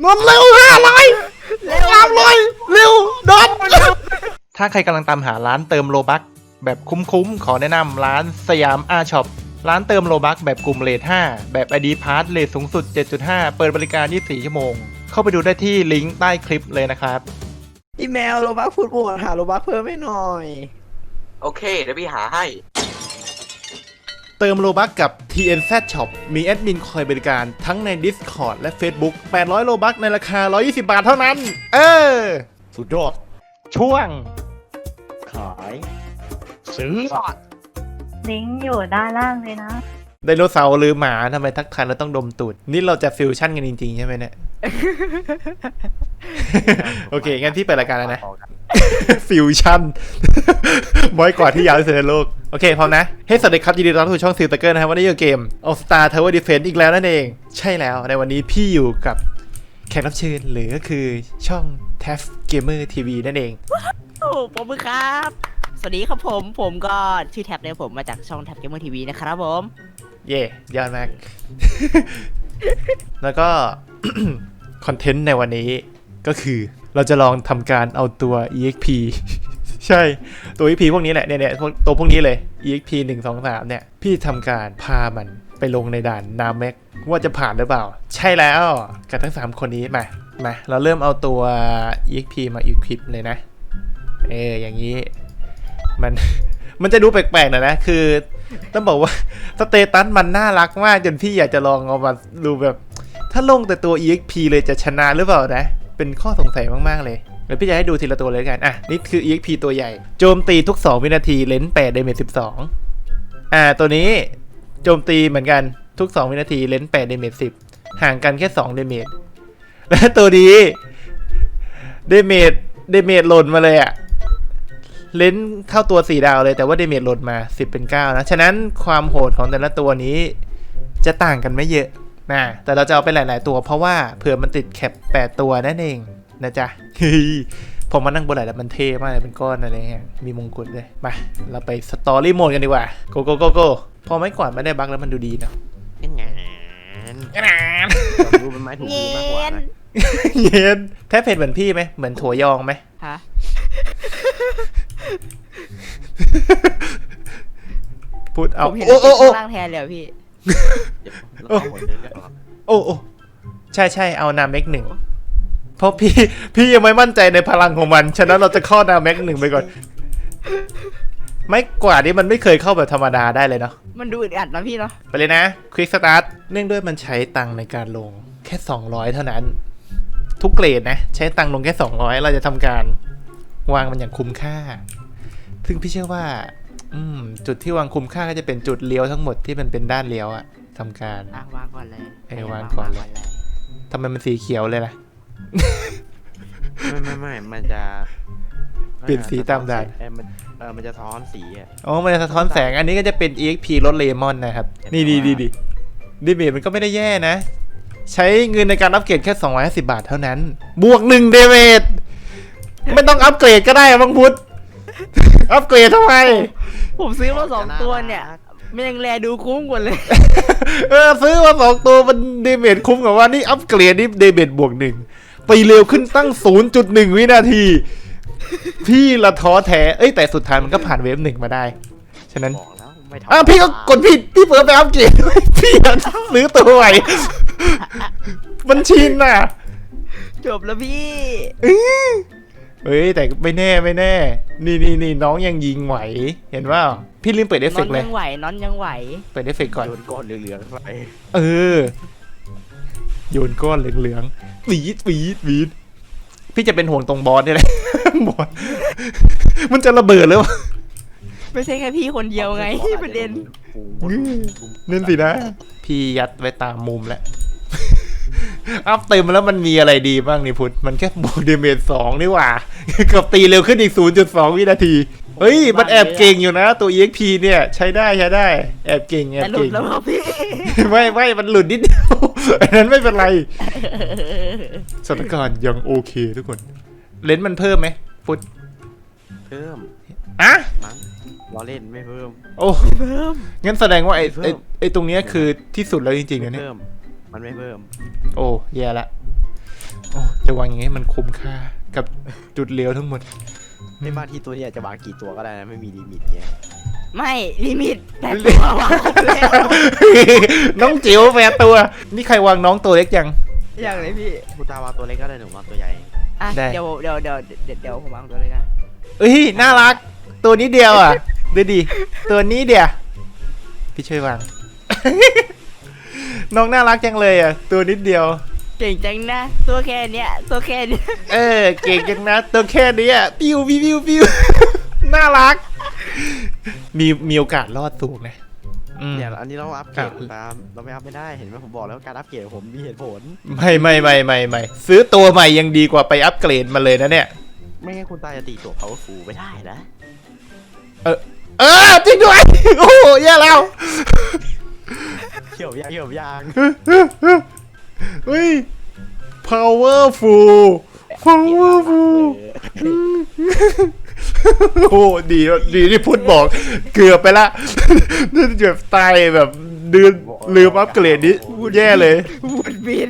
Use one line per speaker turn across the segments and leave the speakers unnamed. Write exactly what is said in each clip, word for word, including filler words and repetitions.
นนเร็วห้าร้อยสามร้อยเร็วดอนถ้าใครกำลังตามหาร้านเติมโลบัคแบบคุ้มๆขอแนะนำร้านสยามอาช็อปร้านเติมโลบัคแบบกลุ่มเรทห้าแบบ ไอ ดี Pass เรทสูงสุด เจ็ดจุดห้า เปิดบริการยี่สิบสี่ชั่วโมงเข้าไปดูได้ที่ลิงก์ใต้คลิปเลยนะครับ
พี่แมวโลบัคพูดบวกหาโลบัคเพิ่มให้หน่อย
โอเคเดี๋ยวพี่หาให้
เติมโลบัคกับ ที เอ็น แซด Shop มีแอดมินคอยบริการทั้งใน Discord และ Facebook แปดร้อยโลบัคในราคาหนึ่งร้อยยี่สิบบาทเท่านั้นเออสุดยอดช่วง
ขาย
ซื้อ
ลิงก์อยู่ด้านล่างเลยนะ
ไดโนเสาร์หรือหมาทำไมทักทายเราต้องดมตูดนี่เราจะฟิวชั่นกันจริงๆใช่ไหมเนี่ย โอเคงั้นพี่เปิดรายการแล้วนะฟิวชั่นบ่อยกว่าที่ยาวที่สุดในโลกโอเคพร้อมนะเฮ้สวัสดีครับยินดีต้อนรับสู่ช่องซิลเตอร์เกอร์นะครับวันนี้อยู่เกม All Star Tower Defense อีกแล้วนั่นเองใช่แล้วในวันนี้พี่อยู่กับแขกรับเชิญหรือก็คือช่อง ที เอ เอฟ Gamer ที วี นั่นเอง
โอ้ผมมือครับสวัสดีครับผมผมก็ชื่อแท็บเนี่ยผมมาจากช่องแท็บ Gamer ที วี นะครับผม
เย่ยอดมาก แล้วก็ คอนเทนต์ในวันนี้ก็คือเราจะลองทำการเอาตัว อี เอ็กซ์ พี ใช่ตัว อี เอ็กซ์ พี พวกนี้แหละเนี่ยเนี่ยตัวพวกนี้เลย อี เอ็กซ์ พี หนึ่ง สอง สามเนี่ยพี่ทำการพามันไปลงในด่านนาแม็กว่าจะผ่านหรือเปล่าใช่แล้วกับทั้งสามคนนี้มามาเราเริ่มเอาตัว อี เอ็กซ์ พี มาอีควิปเลยนะเอออย่างนี้มันมันจะดูแปลกๆหน่อยนะคือต้องบอกว่าสเตตัสมันน่ารักมากจนพี่อยากจะลองเอามาดูแบบถ้าลงแต่ตัว อี เอ็กซ์ พี เลยจะชนะหรือเปล่านะเป็นข้อสงสัยมากๆเลยเดี๋ยวพี่จะให้ดูทีละตัวเลยกันอ่ะนี่คือ อี เอ็กซ์ พี ตัวใหญ่โจมตีทุกสองวินาทีเลนส์แปดเดเมจสิบสองอ่าตัวนี้โจมตีเหมือนกันทุกสองวินาทีเลนส์แปดเดเมจสิบห่างกันแค่สองเดเมจและตัวนี้เดเมจเดเมจหล่นมาเลยอ่ะเลนส์เข้าตัวสี่ดาวเลยแต่ว่าเดเมจหล่นมาสิบเป็นเก้านะฉะนั้นความโหดของแต่ละตัวนี้จะต่างกันไม่เยอะนะแต่เราจะเอาไปหลายๆตัวเพราะว่าเผื่อมันติดแคปแปดตัวนั่นเองนะจ๊ะผมมานั่งบนไหล่แล้วมันเท่มากเลยเป็นก้อนอะไรเงี้ยมีมงกุฎเลยมาเราไปสตอรี่โหมดกันดีกว่าโกโกโกโกพอไม่กวาดไม่ได้บั๊กแล้วมันดูดีนะ
เป็นไง
ดูเป็นไม้ถูกมือมากกว่านะ
เย็นแทบเผ็ดเหมือนพี่ไหมเหมือนถั่วยองไหม
ฮะ
พูดเอา
โอ้โอ้โอ้ล่างแทนเลยพี่
โอ้โอ้โอ้ใช่ใช่เอานาเม็กหนึ่งเพราะพี่พี่ยังไม่มั่นใจในพลังของมันฉะนั้นเราจะข้อนาเม็กหนึ่งไปก่อนไม่กว่านี้มันไม่เคยเข้าแบบธรรมดาได้เลยเนาะ
มันดูอึดอัดนะพี่เนาะ
ไปเลยนะควิกสตาร์ทเนื่องด้วยมันใช้ตังค์ในการลงแค่สองร้อยเท่านั้นทุกเกรดนะใช้ตังค์ลงแค่สองร้อยเราจะทำการวางมันอย่างคุ้มค่าซึ่งพี่เชื่อว่าอืมจุดที่วางคุ้มค่าก็จะเป็นจุดเลี้ยวทั้งหมดที่มันเป็นด้านเลี้ยวอะทำการ
วางก่อนเลย
เออวางก่อนเลยทำไมมันสีเขียวเลยล่ะ
ไม่ไม่ไม่มันจะ
เปลี่ยนสีตามด่าน
เออมันเออมันจะท้อนสีอ่ะ
อ๋อมันจะสะท้อนแสงอันนี้ก็จะเป็น อี เอ็กซ์ พี รถเลมอนนะครับนี่ดีดีดีดีเมจมันก็ไม่ได้แย่นะใช้เงินในการอัปเกรดแค่สองร้อยห้าสิบบาทเท่านั้นบวกหนึ่งเดเมจไม่ต้องอัปเกรดก็ได้บางพุทธอัปเกรดทำไม
ผมซื้อมาสองตัวเนี่ยมันยังแลดูคุ้มกว่าเลย
เออซื้อมาสองตัวมันเดเมจคุ้มกว่าว่านี่อัปเกรดนี่เดเมจบวกหนึ่งไปเร็วขึ้นตั้ง ศูนย์จุดหนึ่ง วินาทีพี่ละท้อแท้เอ้ยแต่สุดท้ายมันก็ผ่านเวฟหนึ่งมาได้ฉะนั้นอ่ะพี่ก็กดผิดพี่เปิดไปอัปเกรดพี่ซื้อตัวใหม่มันชินน่ะ
จบแล้วพี่
เฮ้ยแต่ไม่แน่ไม่แน่นี่นี่นี่น้องยังยิงไหวเห็นว่าพี่ลืมเปิดเอฟเฟกต์เลย
น้องยังไหวน้องยังไหว
เปิดเอฟเฟกต์ก่อน
โยนก้อนเหลืองๆไป
เออโยนก้อนเหลืองๆวีดวีดวีดพี่จะเป็นห่วงตรงบอสนี่แหละบอสมันจะระเบิดเลยวะ
ไม่ใช่แค่พี่คนเดียวไงประเด็น
นั่นสินะพี่ยัดไว้ตามมุมแล้วอัพเต็มแล้วมันมีอะไรดีบ้างนี่พุทธมันแค่บวกเดเมจสองนี่หว่ากับตีเร็วขึ้นอีก ศูนย์จุดสอง วินาทีเฮ้ยมันแอบเก่งอยู่นะตัว อี เอ็กซ์ พี เนี่ยใช้ได้ใช้ได้แอบเก่งแอบเก่ง
แล้วพี่
ไม่ไม่มันหลุดนิดเดียวอันนั้นไม่เป็นไรสถานการณ์ยังโอเคทุกคนเลนส์มันเพิ่มไหมพุทธ
เพิ่ม
อะ
ล้อเล่นไม่เพิ่ม
โอ้เพิ่มงั้นแสดงว่าไอ้ไอ้ไอ้ตรงเนี้ยคือที่สุดแล้วจริงๆนะเนี่ย
มันไม่เพิ่ม
โอ้แย่ละโอ้จะวางอย่างงี้มันคุ้มค่ากับจุดเลี้ยวทั้งหมด
ในบางทีตัวเนี้จะวางกี่ตัวก็ได้นะไม่มีลิมิตเงี้ย
ไม่ลิมิตแต่ตัววางครบแล้ว
น้องจิ๋วแปดตัว นี่ใครวางน้องตัวเล็กยัง
อย่างไรพี่
คุณตาวางตัวเล็กก็ได้หนูวางตัวใหญ่
อ่ะ
ได้
เดี๋ยวเดี๋ยวเดี๋ยวเดี๋ยวเดี๋ยวผมวางตัวเลยนะ
เอ้ยน่ารัก ตัวนี้เดียวอ่ะดูดิตัวนี้เดียวพี่ช่วยวาง น้องน่ารักจังเลยอ่ะ ตัวนิดเดียว
เก่งจังนะ ตัวแค่เนี้ยตัวแค่เนี้ย
เออเก่งจังนะตัวแค่นี้อ่ะปิ้วปิ้วปิ้วปิ้ว น่ารัก มีมีโอกาสรอดสูงนะอืม
เนี่ยอันนี้เราอัพเกรด
อ่ะ
คุณตามเราไม่อัพไม่ได้เห็นไหมผมบอกแล้วการอัพเกรดผมมีเหตุผล
ไม่ไม่ไม่ไม่ไม่ซื้อตัวใหม่ยังดีกว่าไปอัปเกรดมาเลยนะเนี่ย
ไม่งั้นคุณตาจะตีตัว powerful ไม่ได้นะ
เออเออจริงด้วย โอ้โหแย่แล้ว
เขียวยางเขียวยาง
เฮ้ย powerful powerful โอ้ดีดีที่พุทธบอกเกือบไปละนี่เกือบตายแบบดืนลืมอัปเกรดนี้แย่เลย
บุดบิด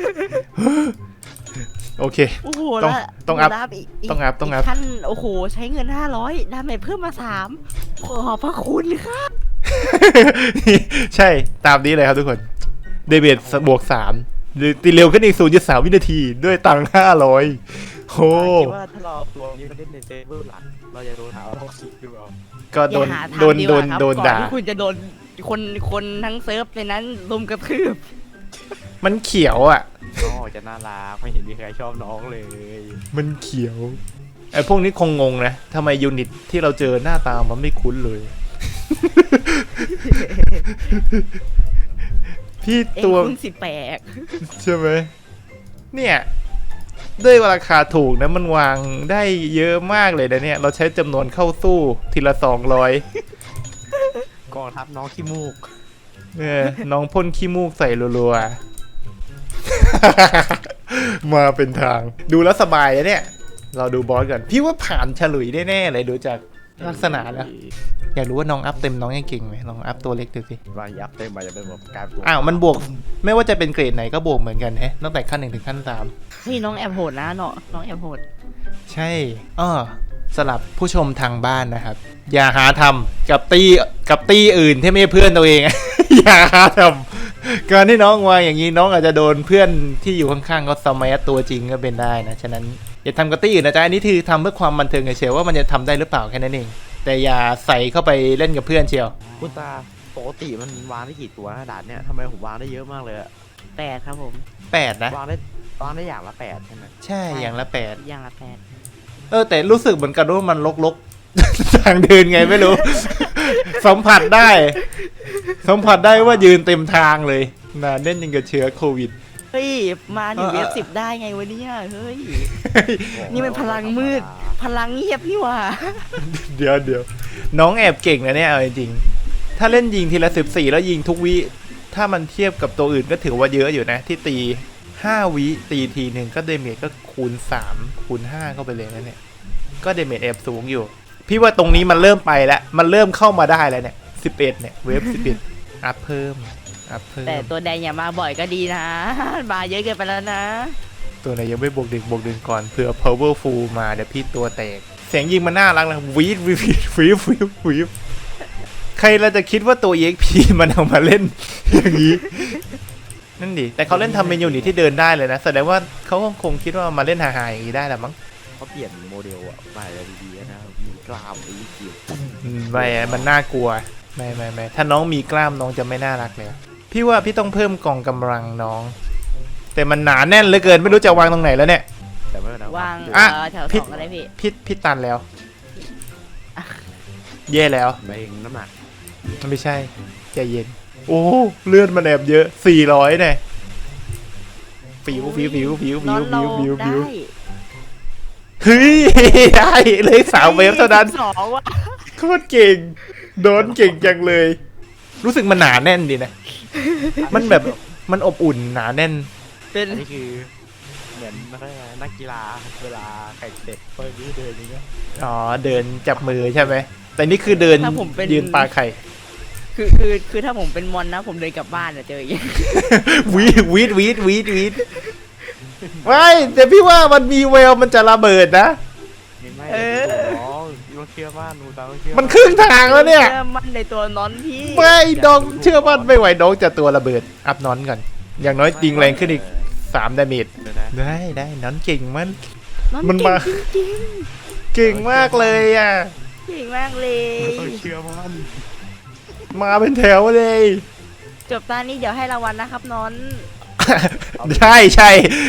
โอเค
โอ้โห
ต้อง
แล้ว
ต้องอัพ
แล้วกก
ต้องอัพต้องอัพ
กขั้นโอ้โหใช้เงินห้าร้อยดาเมจเพิ่มมาสามขอบพระคุณครับ
ใช่ตามนี้เลยครับทุกคนเดเบตบวกสามตีเร็วขึ้นอีก ศูนย์จุดสาม วินาทีด้วยตังค์ห้าร้อยโอ้
คิดว่าถ้าเราตัวนี้มาเล่นในเซิร์ฟเวอร์หลักเราจะโดนหาว่าท็อกซิกหรือเปล่า
ก็โดน
อย่าหาทำ
โดน
ดีก
โด
ว่าน ครับ
โดน
ก่อ
ด่า
ที่คุณจะโดนคนคนทั้งเซิร์ฟในนั้นรุมกระทืบ
มันเขียวอ่ะ
น้องจะน่ารักไม่เห็นมีใครชอบน้องเลย
มันเขียวไอ้พวกนี้คงงงนะทำไมยูนิตที่เราเจอหน้าตามันไม่คุ้นเลย พี่
เอ็ง
ตัว
คุณสิแปลก
ใช่ไหมเนี่ยด้วยราคาถูกนะมันวางได้เยอะมากเลยนะเนี่ย เราใช้จำนวนเข้าสู้ทีละสองร้อย
กองทัพน้องขี้มูก
เนี่ยน้องพ่นขี้มูกใส่รัวๆ มาเป็นทางดูแล้วสบายเลยเนี่ย เราดูบอสก่อนพี่ว่าผ่านฉลุยได้แน่เลยดูจากลักษณะแล้วอยากรู้ว่าน้องอัพเต็มน้องยังเก่งไหมลองอัพตัวเล็กดูสิ
วางยับเต็มไปจะเป็นแบบการตัว
อ้าวมันบวกไม่ว่าจะเป็นเกรดไหนก็บวกเหมือนกันแฮะตั้งแต่ขั้นหนึ่งถึงขั้นสาม
เฮ้ยน้องแอบโหดนะเนาะน้องแอบโหด
ใช่อ้อสำหรับผู้ชมทางบ้านนะครับ อย่าหาทำกับตีกับตีอื่นที่ไม่ใช่เพื่อนตัวเอง อย่าหาทำการที่น้องวางอย่างนี้น้องอาจจะโดนเพื่อนที่อยู่ข้างๆเขาสมัยตัวจริงก็เป็นได้นะฉะนั้นอย่าทำกับตีอื่นนะจ๊ะอันนี้คือทำเพื่อความบันเทิงเฉยๆว่ามันจะทำได้หรือเปล่าแค่นั้นเองแต่อย่าใส่เข้าไปเล่นกับเพื่อนเชียว
คุณตาปกติมันวางได้กี่ตัวนะด่านเนี่ยทำไมผมวางได้เยอะมากเลยอะ
แปดครับผม
แปดนะ
วางได้วางได้อย่างละแปดใช่ไหม
ใช่อย่างละแปด
อย่างละแปด
เออแต่รู้สึกเหมือนกันว่ามันลกๆ ทางเดินไงไม่รู้ สัมผัสได้ สัมผัสได้ว่ายืนเต็มทางเลยหนาแน่นยังกับเชื้อโควิด
เฮ้ยมาถึง
เอ
เว
อ
ฟสิบได้ไงวะเนี่ยเฮ้ย นี่มันพลังมืด พลังเงียบนี่หว่า
เดี๋ยวเดี๋ยวน้องแอบเก่งนะเนี่ยเอาจริงๆถ้าเล่นยิงทีละสิบสี่แล้วยิงทุกวิถ้ามันเทียบกับตัวอื่นก็ถือว่าเยอะอยู่นะ ที่ตีห้าวิตีทีหนึ่งก็เดเมจก็คูณสามคูณห้าเข้าไปเลยนะเนี่ยก็เดเมจแอบสูงอยู่ พี่ว่าตรงนี้มันเริ่มไปแล้วมันเริ่มเข้ามาได้แล้วเนี่ยสิบเอ็ดเนี่ยเวฟสิบเอ็ดอัพเพิ่มอัพเพิ่ม
แต่ตัวแดงอย่ามาบ่อยก็ดีนะ มาเยอะเกินไปแล้วนะ
ตัวไหนยังไม่บวกดึงบวกดึงก่อนเผื่อ powerful มาเดี๋ยวพี่ตัวแตกเสียงยิงมันน่ารักนะวีดวีดวีดวีดวีดใครเราจะคิดว่าตัว อี เอ็กซ์ พี มันเอามาเล่น อย่างนี้นั่นดิแต่เขาเล่นทำเมนูนี่ที่เดินได้เลยนะแสดงว่าเขาคงคิดว่ามาเล่นหาๆอย่างนี้ได้แหละมั้ง
เขาเปลี่ยนโมเดลอะใหม่เลยดีๆนะมีกล้ามไอ้เกี่ยว
อืมไม่อะมันน่ากลัวไม่ไม่ไม่ถ้าน้องมีกล้ามน้องจะไม่น่ารักเลยพี่ว่าพี่ต้องเพิ่มกองกำลังน้อง แต่มันหนาแน่นเหลือเกินไม่รู้จะวางตรงไหนแล้วเนี่ย
แต่ไม่เป็นไร
วาง
อ่ะ
เอ่อแถว
ผิ
ส
ด
องอะไรพี่
พี่พี่ตันแล้วแย่แล้ว
ไม่เองน้ำหนัก
มันไม่ใช่ใจเย็นโอ้เลือดมันแอบเยอะสี่ร้อยเนี่ยฟิวฟิวฟิวฟิว
น
ฟิ
อ
วน
เรา
ฟิวฟิว
ได้
ฟิวเฮ้ยได้เลยสามเวฟเท่านั้น
สองว่ะ
โคตรเก่งโดนเก่งจังเลย รู้สึกมันหนาแน่นดีนะ มันแบบมันอบอุ่นหนาแน่น
เป็น
อันนี้คือเหมือนนักกีฬาเวลาแข่งเสร็จเปิดนี้เดินอย่างเงี้ย
อ๋อเดินจับมือใช่ไหมแต่นี่คือเดิน
ถ้าผมเป็น
ยืนปลาไข่
คือคือคือถ้าผมเป็นมอนนะ ผมเดินกลับบ้านอะเจออย่างเงี้ย
วีดวีดวีดวีดวีดไม่แต่พี่ว่ามันมีแววมันจะระเบิดนะ
ไม่ไม่
เออ
น้องต้องเชื่อมั่นหนูต้องเชื่อ
มันครึ่งทางแล้วเนี่ย
ชื่อมันในตัวนอนพี่
ไม่น้องเชื่อมั่นไม่ไหวน้องจะตัวระเบิดอัพนอนก่อนอย่างน้อยติงแรงขึ้นอีกสามดาเมจ
เดี๋ยวนะ
ได้ได้น้องเก่งมัน
นอน
มัน
เก่
มา
งจริง
เก่งมากเลยอ่ะ
ๆเก่งมากเลย
ต้องเชื่อมั่น
มาเป็นแถวเลย
จบตอนนี้เดี๋ยวให้รางวัลนะครับนอน
ใช่ใช่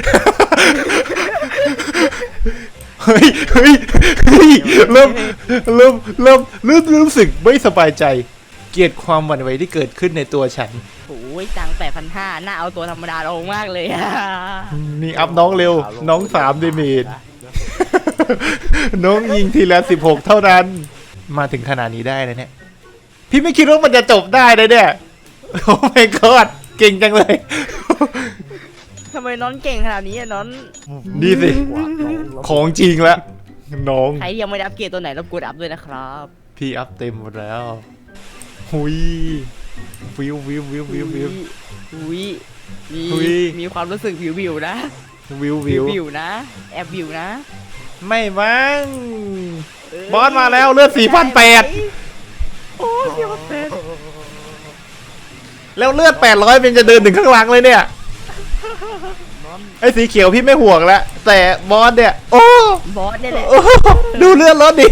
เฮ้ยเฮ้ยเฮ้ยเริ่มเริ่มเริ่มเริ่มรู้สึกไม่สบายใจ เกลียดความหวั่นไหวที่เกิดขึ้นในตัวฉัน
โอ้ยตังแปดพันห้าน่าเอาตัวธรรมดาลงมากเลยอะ
นี่อัพน้องเร็ว น้องสามดาเมจ น้องยิงทีละสิบหกเท่านั้น มาถึงขนาดนี้ได้แล้วเนี่ย พี่ไม่คิดว่ามันจะจบได้เลยเนี่ย โอ้ my god เก่งจังเลย
ทำไมนอนเก่งขนาดนี้อะนอน
นี่สิ ของจริงแล้วน้อง
ใครยังไม่ได้อัปเกรดตัวไหนรบกวนอัพด้วยนะครับ
พี่อัพเต็มหมดแล้ว หุยวิววิววิววิววิว
อุ้ยมี
อุ๊ย
มีความรู้สึกวิววิวๆนะ
วิว
วิ
วิ
ว
ว
วิวๆนะ แอบวิวนะ
ไม่มั้ง
เย
บอสมาแล้วเลือดสี่พันแปด
โอ้ยสี่พันแปด
แล้วเลือดแปดร้อยเป็นจะเดินถึงข้างหลังเลยเนี่ย ไอ้สีเขียวพี่ไม่ห่วงแล้ว แต่บอสเนี่ย โอ้
บอสเนี่ยแหละ
โอ้ดูเลือดรถดิ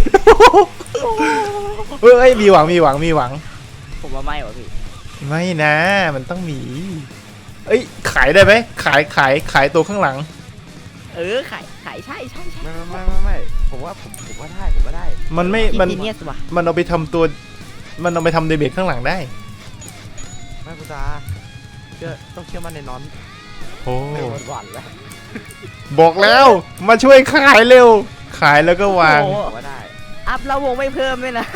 เอ้ยมีหวังมีหวังมีหวัง
ผมว่าไม่วะพี่
ไม่นะ มันต้องมี เอ้ยขายได้ไหมขายขายขายตัวข้างหลัง
เออขายขายใช่ใช่ใช่
ไม่ไม่ไม่ไม่ไม่ผมว่าผมผมว่าได้ผมว่าได้
มันไม่ มัน
จีเนียสว่ะ
มันเอาไปทำตัว มันเอาไปทำเดเมจข้างหลังได้
ไม่คุณตาเชื่อต้องเชื่อมั่นในน้อน
โอ้
ไม่หวั่นหวั่นแล้ว
บอกแล้ว มาช่วยขายเร็ว ขายแล้วก็วาง
โอ้โห
ผมว่าได้
อัพแล้ววงไม่เพิ่มเลยนะ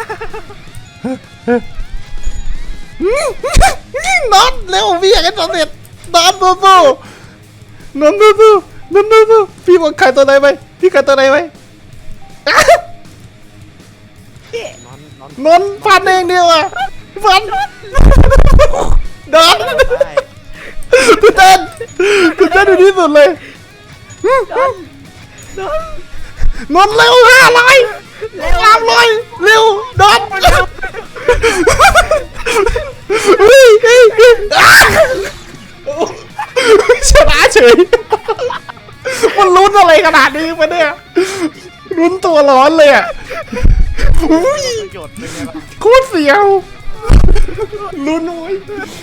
น็อตเร็วพี่อยากให้สำเร็จน็อตสู้สู้น็อตสู้สู้น็อตสู้สู้พี่บอกขายตัวไหนไปพี่ขายตัวไหนไป
น้อนน้อน
นนฟันเองเดียวอ่ะฟันน็อต
ได้
กูเต้นกูเต้นอยู่ที่สุดเลยนนเร็วห้าร้อยสามร้อยเร็วน็อตเฮ้ยเฮ้ยเฮ้ยอ้าชนะเฉยมันลุ้นอะไรขนาดนี้มาเนี่ยลุ้นตัวร้อนเลยอ่ะอุ้ย
ประโยชน์เป็นไงล่ะ
โคตรเสียวลุ้นโว้ย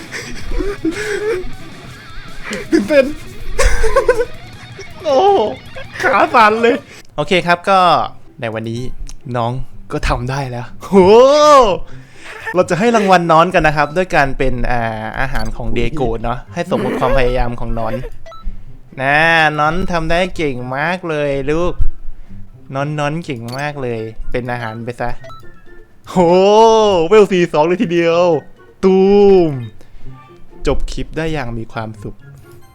ตื่นเต้นโอ้ขาสั่นเลย โอเคครับก็ในวันนี้น้องก็ทำได้แล้วโหเราจะให้รางวัลน้อนกันนะครับ ด้วยการเป็นอ่าอาหารของเดโกเนาะให้สมกับความพยายามของน้อนนะน้อนทำได้เก่งมากเลยลูกน้อนน้อนเก่งมากเลยเป็นอาหารไปซะโหเวลสี่สองเลยทีเดียวตูมจบคลิปได้อย่างมีความสุข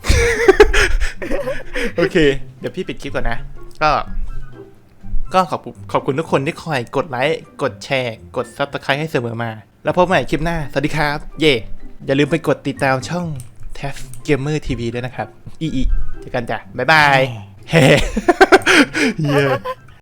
โอเค เดี๋ยวพี่ปิดคลิปก่อนนะ ก็ ก็ขอบคุณขอบคุณทุกคนที่คอยกดไลค์ กดแชร์ กด ซับสไครบ์ ให้เสมอมา แล้วพบกันใหม่คลิปหน้า สวัสดีครับ เย่อย่าลืมไปกดติดตามช่อง แทฟ Gamer ที วี ด้วยนะครับ อีอีเจอกันจ้ะ บ๊ายบาย เฮ้ เย้